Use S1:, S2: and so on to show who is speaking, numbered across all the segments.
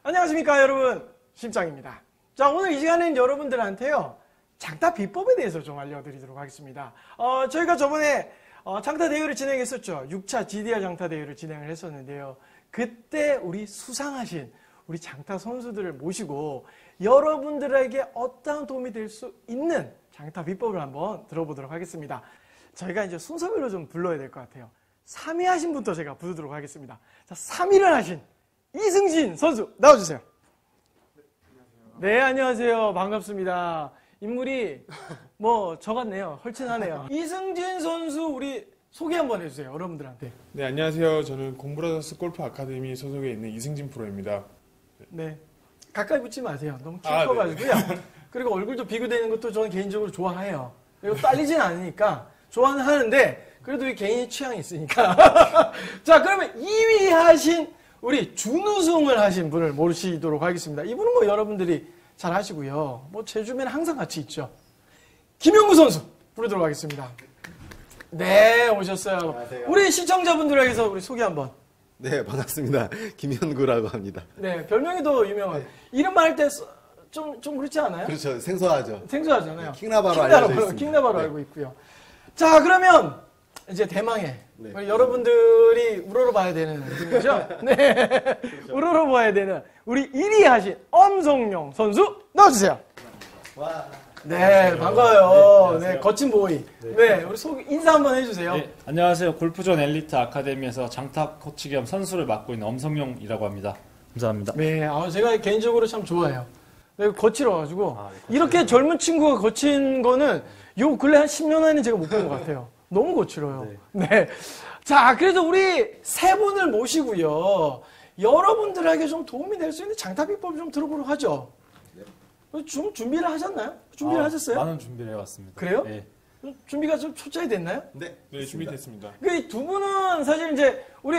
S1: 안녕하십니까 여러분, 심장입니다. 자, 오늘 이 시간에는 여러분들한테요 장타 비법에 대해서 좀 알려드리도록 하겠습니다. 저희가 저번에 장타 대회를 진행했었죠. 6차 GDR 장타 대회를 진행을 했었는데요. 그때 우리 수상하신 우리 장타 선수들을 모시고 여러분들에게 어떠한 도움이 될 수 있는 장타 비법을 한번 들어보도록 하겠습니다. 저희가 이제 순서별로 좀 불러야 될 것 같아요. 3위 하신 분부터 제가 부르도록 하겠습니다. 자, 3위를 하신 이승진 선수 나와주세요. 네, 안녕하세요. 반갑습니다. 인물이 뭐 저 같네요. 헐친하네요. 이승진 선수 우리 소개 한번 해주세요. 여러분들한테.
S2: 네, 안녕하세요. 저는 공브라더스 골프 아카데미 소속에 있는 이승진 프로입니다.
S1: 네, 가까이 붙지 마세요. 너무 키워가지고요. 네. 그리고 얼굴도 비교되는 것도 저는 개인적으로 좋아해요. 그리고 딸리진 않으니까 좋아는 하는데 그래도 이 개인의 취향이 있으니까. 자, 그러면 2위 하신 우리 준우승을 하신 분을 모시도록 하겠습니다. 이분은 뭐 여러분들이 잘 아시고요. 뭐 제 주변에 항상 같이 있죠. 김영구 선수 부르도록 하겠습니다. 네, 오셨어요.
S3: 안녕하세요.
S1: 우리 시청자분들에게서 우리 소개 한번.
S3: 네, 반갑습니다. 김현구라고 합니다.
S1: 네, 별명이 더 유명한.
S3: 네.
S1: 이름만 할 때 좀 그렇지 않아요?
S3: 그렇죠. 생소하죠.
S1: 생소하잖아요.
S3: 네, 킹나바로 알려져 있습니다.
S1: 킹나바로
S3: 네.
S1: 알고 있고요. 자, 그러면 이제 대망의
S3: 네.
S1: 우리 여러분들이 우러러봐야 되는 분이죠. 네, 그렇죠. 우러러봐야 되는 우리 1위 하신 엄성용 선수 나와주세요.
S3: 와.
S1: 네, 반가워요. 네, 거친 보이. 네, 우리 인사 한번 해주세요.
S4: 네, 안녕하세요. 골프존 엘리트 아카데미에서 장타 코치 겸 선수를 맡고 있는 엄성용이라고 합니다. 감사합니다.
S1: 네, 제가 개인적으로 참 좋아해요. 네, 거칠어가지고 이렇게 젊은 친구가 거친 거는 요 근래 한 10년 안에는 제가 못 본 것 같아요. 너무 거칠어요. 네. 자, 그래서 우리 세 분을 모시고요. 여러분들에게 좀 도움이 될 수 있는 장타 비법 좀 들어보도록 하죠. 좀 준비를 하셨나요? 준비를 하셨어요?
S4: 많은 준비를 해왔습니다.
S1: 그래요?
S4: 네.
S1: 준비가 좀 초짜이 됐나요?
S3: 네.
S2: 네, 준비됐습니다.
S1: 그 두 분은 사실 이제 우리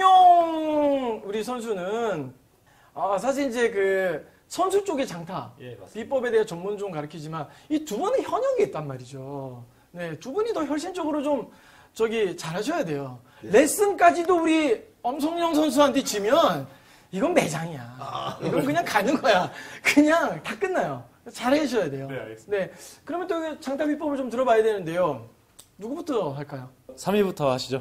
S1: 엄성용 우리 선수는 사실 이제 그 선수 쪽의 장타
S4: 예, 맞습니다.
S1: 비법에 대해 전문 좀 가르치지만 이 두 분은 현역이 있단 말이죠. 네, 두 분이 더 혈신적으로 좀 잘하셔야 돼요.
S3: 네.
S1: 레슨까지도 우리 엄성용 선수한테 지면 이건 매장이야. 이건 그냥 가는 거야. 그냥 다 끝나요. 잘해주셔야 돼요.
S2: 네, 알겠습니다.
S1: 네, 그러면 또 장타 비법을 좀 들어봐야 되는데요. 누구부터 할까요?
S4: 3위부터 하시죠.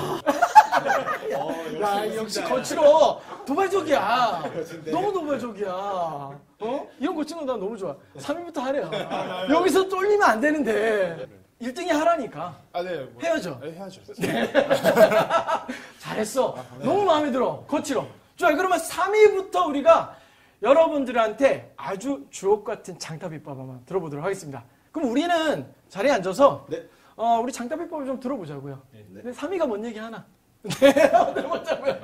S1: 야, 역시 거칠어. 도발적이야. 너무 도발적이야. 이런 거치는 거 난 너무 좋아. 3위부터 하래요. 여기서 쫄리면 안 되는데. 1등이 하라니까.
S2: 네.
S1: 해야죠.
S2: 네, 해야죠.
S1: 잘했어. 너무 마음에 들어. 거칠어. 좋아요. 그러면 3위부터 우리가 여러분들한테 아주 주옥 같은 장타 비법 한번 들어보도록 하겠습니다. 그럼 우리는 자리에 앉아서
S3: 네.
S1: 우리 장타 비법을 좀 들어보자고요.
S3: 네.
S1: 근데 3위가 뭔 얘기 하나? 네, 들어보자고요.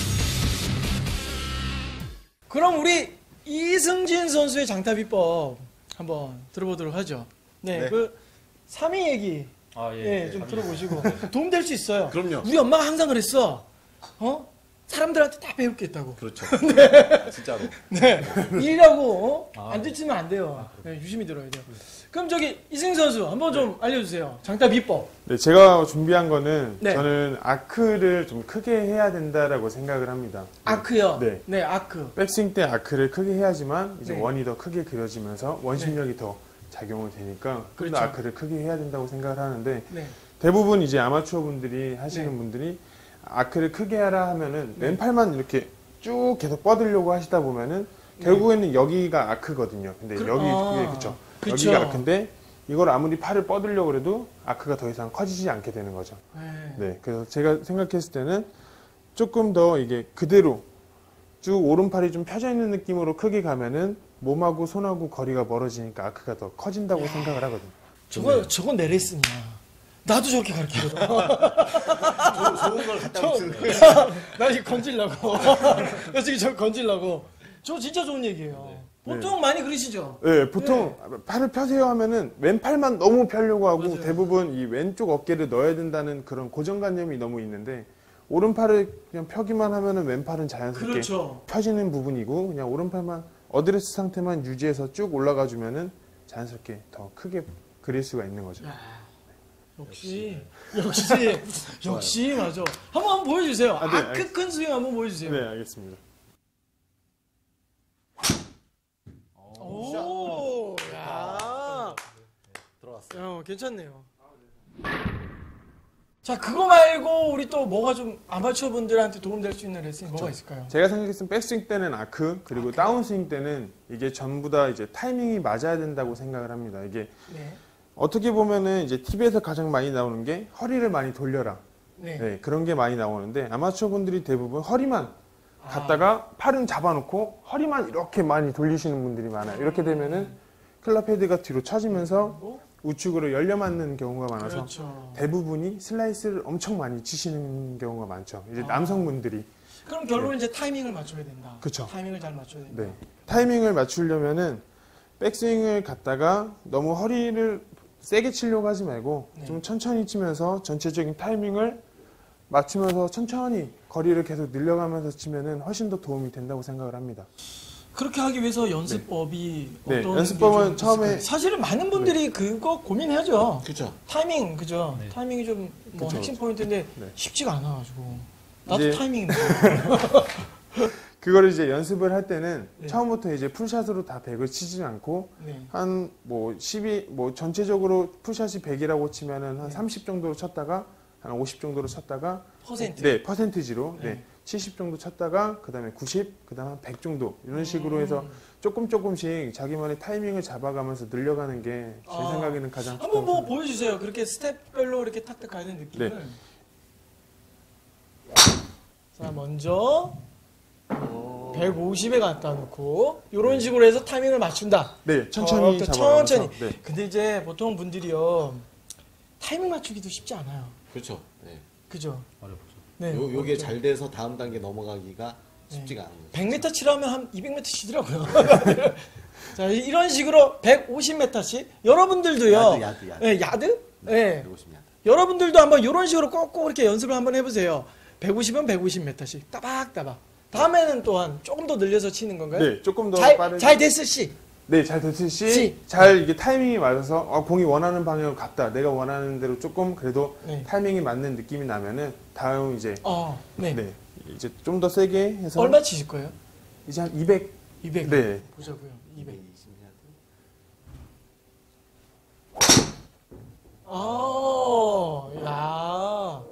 S1: 그럼 우리 이승진 선수의 장타 비법 한번 들어보도록 하죠. 네,
S3: 네.
S1: 그 3위 얘기
S4: 예.
S1: 좀 들어보시고 도움 될 수 있어요.
S3: 그럼요.
S1: 우리 엄마가 항상 그랬어. 사람들한테 다 배울 게 있다고.
S3: 그렇죠. 진짜로.
S1: 네. 일이라고 안 듣지면 안 돼요. 네, 유심히 들어야 돼요. 그럼 이승진 선수 한번 좀 알려주세요. 장타 비법.
S2: 네, 제가 준비한 거는
S1: 네.
S2: 저는 아크를 좀 크게 해야 된다라고 생각을 합니다.
S1: 아크요.
S2: 네.
S1: 네, 아크.
S2: 백스윙 때 아크를 크게 해야지만 이제
S1: 네.
S2: 원이 더 크게 그려지면서 원심력이 더 작용이 되니까 좀
S1: 그렇죠.
S2: 더 아크를 크게 해야 된다고 생각을 하는데
S1: 네.
S2: 대부분 이제 아마추어 분들이 하시는
S1: 네.
S2: 분들이 아크를 크게 하라 하면은 왼팔만 이렇게 쭉 계속 뻗으려고 하시다 보면은 결국에는 여기가 아크거든요. 근데 그쵸.
S1: 그쵸.
S2: 여기가 아크인데 이걸 아무리 팔을 뻗으려고 해도 아크가 더 이상 커지지 않게 되는 거죠.
S1: 네.
S2: 네. 그래서 제가 생각했을 때는 조금 더 이게 그대로 쭉 오른팔이 좀 펴져 있는 느낌으로 크게 가면은 몸하고 손하고 거리가 멀어지니까 아크가 더 커진다고 생각을 하거든요.
S1: 저건 내 레슨이야. 나도 저렇게 가르치거든.
S3: 좋은 걸 갖다 붙이는 거예요.
S1: 나 지금 건질라고. 나 지금 저 건질라고. 저 진짜 좋은 얘기예요. 보통 많이 그러시죠?
S2: 네, 보통 팔을 펴세요 하면은 왼팔만 너무 펴려고 하고
S1: 맞아요.
S2: 대부분 이 왼쪽 어깨를 넣어야 된다는 그런 고정관념이 너무 있는데 오른팔을 그냥 펴기만 하면은 왼팔은 자연스럽게
S1: 그렇죠.
S2: 펴지는 부분이고 그냥 오른팔만 어드레스 상태만 유지해서 쭉 올라가 주면은 자연스럽게 더 크게 그릴 수가 있는 거죠.
S1: 역시 맞아. 한번 보여주세요.
S2: 네,
S1: 아크 큰 스윙 한번 보여주세요.
S2: 네, 알겠습니다.
S1: 괜찮네요. 자, 그거 말고 우리 또 뭐가 좀 아마추어 분들한테 도움될 수 있는 레슨이 뭐가 있을까요?
S2: 제가 생각했을 때 백스윙 때는 아크, 그리고 다운스윙 때는 이게 전부 다 이제 타이밍이 맞아야 된다고 생각을 합니다. 이게
S1: 네.
S2: 어떻게 보면은 이제 TV에서 가장 많이 나오는 게 허리를 많이 돌려라.
S1: 네.
S2: 네, 그런 게 많이 나오는데 아마추어 분들이 대부분 허리만 갖다가 팔은 잡아놓고 허리만 이렇게 많이 돌리시는 분들이 많아요. 이렇게 되면은 클럽 헤드가 뒤로 처지면서 우측으로 열려 맞는 경우가 많아서
S1: 그렇죠.
S2: 대부분이 슬라이스를 엄청 많이 치시는 경우가 많죠. 이제 남성분들이.
S1: 그럼 결론은 이제 타이밍을 맞춰야 된다.
S2: 그쵸.
S1: 타이밍을 잘 맞춰야 된다.
S2: 네. 타이밍을 맞추려면은 백스윙을 갖다가 너무 허리를 세게 치려고 하지 말고
S1: 네.
S2: 좀 천천히 치면서 전체적인 타이밍을 맞추면서 천천히 거리를 계속 늘려가면서 치면은 훨씬 더 도움이 된다고 생각을 합니다.
S1: 그렇게 하기 위해서 연습법이
S2: 네,
S1: 어떤
S2: 연습법은
S1: 게좀
S2: 처음에-
S1: 있을까요? 사실은 많은 분들이 그거 고민하죠.
S3: 그죠.
S1: 타이밍, 그죠?
S4: 네.
S1: 타이밍이 좀 뭐
S2: 그쵸.
S1: 핵심 포인트인데
S2: 네.
S1: 쉽지가 않아가지고 나도
S2: 이제-
S1: 타이밍이
S2: 그거를 이제 연습을 할 때는
S1: 네.
S2: 처음부터 이제 풀샷으로 다 100을 치지 않고
S1: 네.
S2: 한 뭐 12, 뭐 전체적으로 풀샷이 100이라고 치면은 한 30 정도로 쳤다가 한 50 정도로 쳤다가
S1: 퍼센트.
S2: 네, 퍼센티지로
S1: 네.
S2: 네. 70 정도 쳤다가 그다음에 90, 그다음에 한 100 정도 이런 식으로 해서 조금씩 자기만의 타이밍을 잡아가면서 늘려가는 게 제
S1: 아.
S2: 생각에는 가장
S1: 한번
S2: 좋다고
S1: 뭐
S2: 생각합니다.
S1: 보여주세요. 그렇게 스텝별로 이렇게 탁탁 가야 되는 느낌을.
S2: 네.
S1: 자, 먼저 150에 갖다 놓고 이런 식으로 해서 타이밍을 맞춘다.
S2: 네, 천천히
S1: 저렇게
S2: 잡아가면서
S1: 천천히.
S2: 네.
S1: 근데 이제 보통 분들이요 타이밍 맞추기도 쉽지 않아요.
S3: 그렇죠. 네.
S1: 그죠?
S4: 어렵죠.
S1: 네.
S3: 요게
S1: 어렵죠.
S3: 잘 돼서 다음 단계 넘어가기가 쉽지가 않아요.
S1: 100m 치라면 한 200m 치더라고요. 자, 이런 식으로 150m씩 여러분들도요.
S3: 야드.
S1: 네, 야드? 네.
S3: 150 야드.
S1: 여러분들도 한번 이런 식으로 꼭꼭 이렇게 연습을 한번 해보세요. 150은 150m씩 따박따박. 다음에는 또한 조금 더 늘려서 치는 건가요?
S2: 네, 조금 더
S1: 잘,
S2: 빠르게.
S1: 잘 됐을 시.
S2: 네, 잘 됐듯이
S1: 시.
S2: 잘 이게 타이밍이 맞아서 공이 원하는 방향으로 갔다. 내가 원하는 대로 조금 그래도
S1: 네.
S2: 타이밍이 맞는 느낌이 나면은 다음 이제
S1: 네.
S2: 네, 이제 좀 더 세게 해서
S1: 얼마 치실 거예요?
S2: 이제 한 200.
S1: 200.
S2: 네.
S1: 보자고요. 200.
S3: 220 야드.
S1: 야.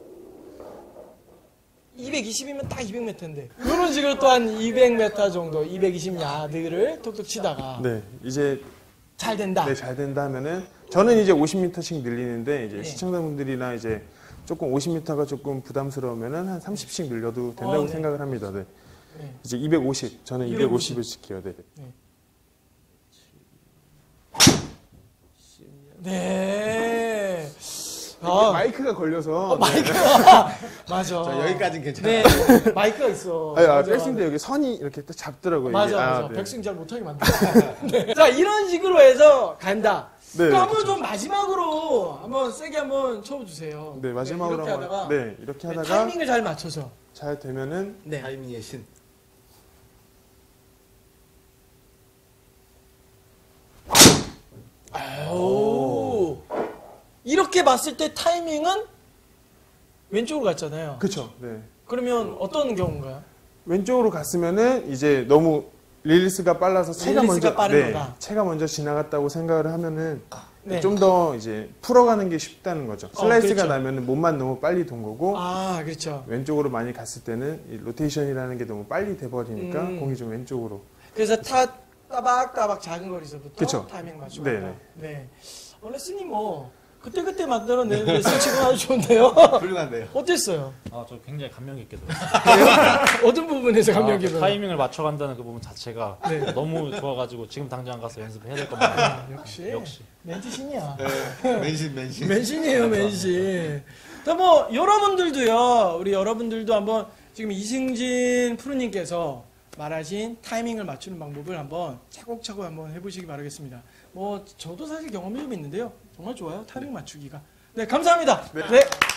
S1: 220이면 딱 200m인데. 이런 식으로 또 한 200m 정도, 220 야드를 톡톡 치다가
S2: 네, 이제
S1: 잘 된다.
S2: 네, 잘 된다 하면은 저는 이제 50m씩 늘리는데 이제
S1: 네.
S2: 시청자분들이나 이제 조금 50m가 조금 부담스러우면은 한 30씩 늘려도 된다고
S1: 네.
S2: 생각을 합니다. 네.
S1: 네.
S2: 이제 250. 저는
S1: 250.
S2: 250을 지켜요. 네.
S1: 네.
S2: 마이크가 걸려서
S1: 마이크가 맞아.
S3: 자, 여기까지는
S1: 네,
S3: 괜찮아요.
S1: 마이크가 있어.
S2: 백스윙 때 여기 선이 이렇게 딱 잡더라고요.
S1: 맞아,
S2: 이게.
S1: 맞아.
S2: 네.
S1: 백스윙 잘 못하게 만들어. 네. 자, 이런 식으로 해서 간다.
S2: 네,
S1: 그럼 한번
S2: 그렇죠.
S1: 좀 마지막으로 한번 세게 한번 쳐주세요.
S2: 네, 마지막으로
S1: 이렇게
S2: 한번
S1: 하다가
S2: 네, 이렇게 하다가
S1: 타이밍을 잘 맞춰서.
S2: 잘 되면은
S1: 네.
S3: 타이밍의 신.
S1: 오. 이렇게 봤을 때 타이밍은 왼쪽으로 갔잖아요.
S2: 그렇죠. 네.
S1: 그러면 어떤 경우인가요?
S2: 왼쪽으로 갔으면은 이제 너무 릴리스가 빨라서 체가
S1: 릴리스가
S2: 먼저
S1: 빠른 거다.
S2: 체가 먼저 지나갔다고 생각을 하면은
S1: 네.
S2: 좀 더 이제 풀어가는 게 쉽다는 거죠. 슬라이스가
S1: 그렇죠.
S2: 나면은 몸만 너무 빨리 돈 거고
S1: 아, 그렇죠.
S2: 왼쪽으로 많이 갔을 때는 이 로테이션이라는 게 너무 빨리 돼버리니까
S1: 음.
S2: 공이 좀 왼쪽으로.
S1: 그래서 따박따박 작은 거리서부터
S2: 그쵸.
S1: 타이밍 맞추고.
S2: 네네.
S1: 네. 레슨이 뭐 그때 만들어낸 레슨 지금 아주 좋은데요.
S3: 훌륭한데요.
S1: 어땠어요?
S4: 아, 저 굉장히 감명 깊게 들었어요.
S1: 어떤 부분에서 감명 깊어요?
S4: 타이밍을 맞춰간다는 그 부분 자체가
S1: 네.
S4: 너무 좋아가지고 지금 당장 가서 연습해야 될 겁니다.
S1: 역시
S4: 역시.
S1: 멘트신이야.
S3: 맨신.
S1: 맨신이에요, 맨신. 자, 뭐 여러분들도요. 우리 여러분들도 한번 지금 이승진 프로님께서 말하신 타이밍을 맞추는 방법을 한번 차곡차곡 한번 해보시기 바라겠습니다. 뭐 저도 사실 경험이 좀 있는데요. 정말 좋아요. 타이밍 맞추기가. 네, 감사합니다. 네.